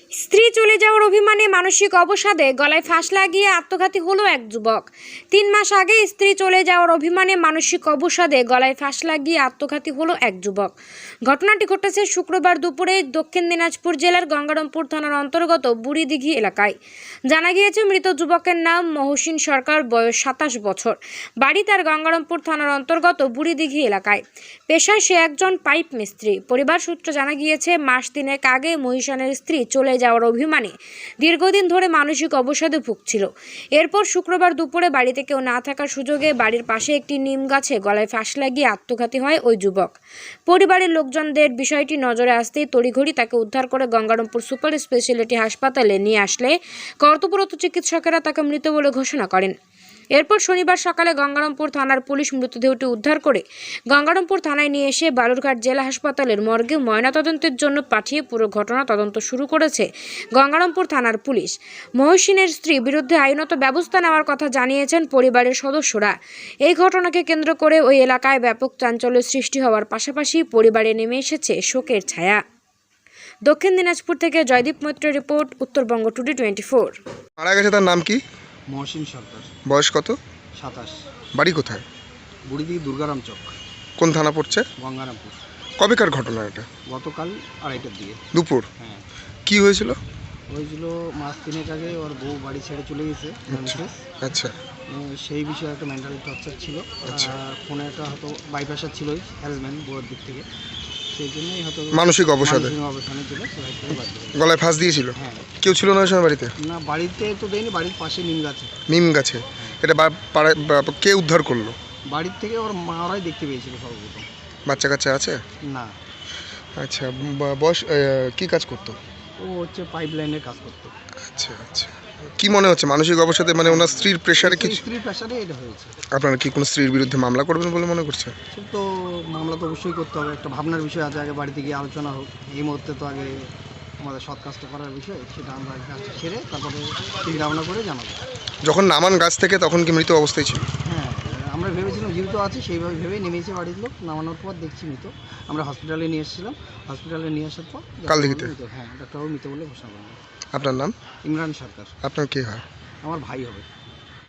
স্ত্রী চলে যাওয়ার অভিমানে মানসিক অবসাদে গলায় ফাঁস লাগিয়ে আত্মঘাতী হলো এক যুবক। 3 মাস আগে স্ত্রী চলে যাওয়ার অভিমানে মানসিক অবসাদে গলায় ফাঁস লাগিয়ে আত্মঘাতী হলো এক যুবক। ঘটনাটি ঘটেছে শুক্রবার দুপুরে দক্ষিণ দিনাজপুর জেলার গঙ্গারামপুর থানার অন্তর্গত বুড়িদিঘি এলাকায়। জানা গিয়েছে মৃত যুবকের নাম মহসিন সরকার, বয়স 27 বছর। বাড়ি তার গঙ্গারামপুর থানার অন্তর্গত বুড়িদিঘি এলাকায়। পেশায় সে একজন পাইপ মিস্ত্রি। পরিবার সূত্রে জানা গিয়েছে মাস 3 আগে মহিষানের স্ত্রী চলে যাওয়ার অভিমানে দীর্ঘদিন ধরে মানসিক অবসাদে ভুগছিল। এরপর শুক্রবার দুপুরে বাড়িতে কেউ না থাকার সুযোগে বাড়ির পাশে একটি নিম গাছে গলায় ফাঁস লাগিয়ে আত্মঘাতী হয় ওই যুবক। পরিবারের লোকজনদের বিষয়টি নজরে আসতেই তড়িঘড়ি তাকে উদ্ধার করে গঙ্গারামপুর সুপার স্পেশালিটি হাসপাতালে নিয়ে আসলে কর্তব্যরত চিকিৎসকেরা তাকে মৃত বলে ঘোষণা করেন। এরপর শনিবার সকালে গঙ্গারামপুর থানার পুলিশ মৃতদেহটি উদ্ধার করে গঙ্গারামপুর থানায় নিয়ে এসে বালুরঘাট জেলা হাসপাতালের মর্গে ময়নাতদন্তের জন্য পাঠিয়ে পুরো ঘটনা তদন্ত শুরু করেছে গঙ্গারামপুর থানার পুলিশ। মহসিনের স্ত্রীর বিরুদ্ধে আইনত ব্যবস্থা নেওয়ার কথা জানিয়েছেন পরিবারের সদস্যরা। এই ঘটনাকে কেন্দ্র করে ওই এলাকায় ব্যাপক চাঞ্চল্যের সৃষ্টি হওয়ার পাশাপাশি পরিবারে নেমে এসেছে শোকের ছায়া। দক্ষিণ দিনাজপুর থেকে জয়দীপ মৈত্রের রিপোর্ট, উত্তরবঙ্গ টুডে 24। মারা গেছে তার নাম কি? মহসিন সরকার, বয়স কত? 27। বাড়ি কোথায়? বুড়িদিঘি দুর্গারাম চক, কোন থানা পড়ছে? গঙ্গারামপুর। কবেকার ঘটনা এটা? গতকাল 2:30টার দিকে। দুপুর? হ্যাঁ, কি হয়েছিল? হয়েছিল মাস 3 আগে ওর বউ বাড়ি ছেড়ে চলে গেছে। আচ্ছা। সেই বিষয়ে একটা মেন্টাল টর্চার ছিল। আচ্ছা। ফোনে একটা হয়তো বাইপাসার ছিলই, হ্যারাসমেন্ট বউয়ের দিক থেকে। সেই জন্যই হয়তো মানসিক অবসাদে অবসানে ছিল, সুসাইড করে বাধ্য হয়েছে। গলায় ফাঁস দিয়েছিল? হ্যাঁ। কেউ ছিল না ওই সময় বাড়িতে? না, বাড়িতে তো দেয়নি, বাড়ির পাশে নিম গাছে। নিম গাছে? এটা কে উদ্ধার করলো? বাড়ির থেকে ওর মারাই দেখতে পেয়েছিল সর্বপ্রথম। বাচ্চা কাচ্চা আছে? না, আচ্ছা। বয়স কি কাজ করতো? ও হচ্ছে পাইপ লাইনের কাজ করতো। আচ্ছা আচ্ছা। কি মনে হচ্ছে মানসিক অবসাদে, মানে ওনার স্ত্রীর প্রেশারে কিছু? স্ত্রীর প্রেশারে এটা হয়েছে। আপনারা কি কোনো স্ত্রীর বিরুদ্ধে মামলা করবেন বলে মনে করছেন? সে তো মামলা তো অবশ্যই করতে হবে, একটা ভাবনার বিষয় আছে, আগে বাড়িতে গিয়ে আলোচনা হোক। এই মুহূর্তে তো আগে আমাদের সৎ কাজটা করার বিষয়, সেটা আমরা কাজটা সেরে তারপরে চিন্তা ভাবনা করে জানাবো। যখন নামান গাছ থেকে তখন কি মৃত অবস্থায় ছিল? হ্যাঁ, আমরা ভেবেছিলাম জীবিত আছে, সেইভাবে ভেবে নেমেছে বাড়ির লোক। নামানোর পর দেখছি মৃত। আমরা হসপিটালে নিয়ে এসেছিলাম, হসপিটালে নিয়ে আসার পর কালদিঘিতে? হ্যাঁ, ডাক্তারবাবু মৃত বলে ঘোষণা করলেন। আপনার নাম? ইমরান সরকার। আপনার কে হয়? আমার ভাই হবে।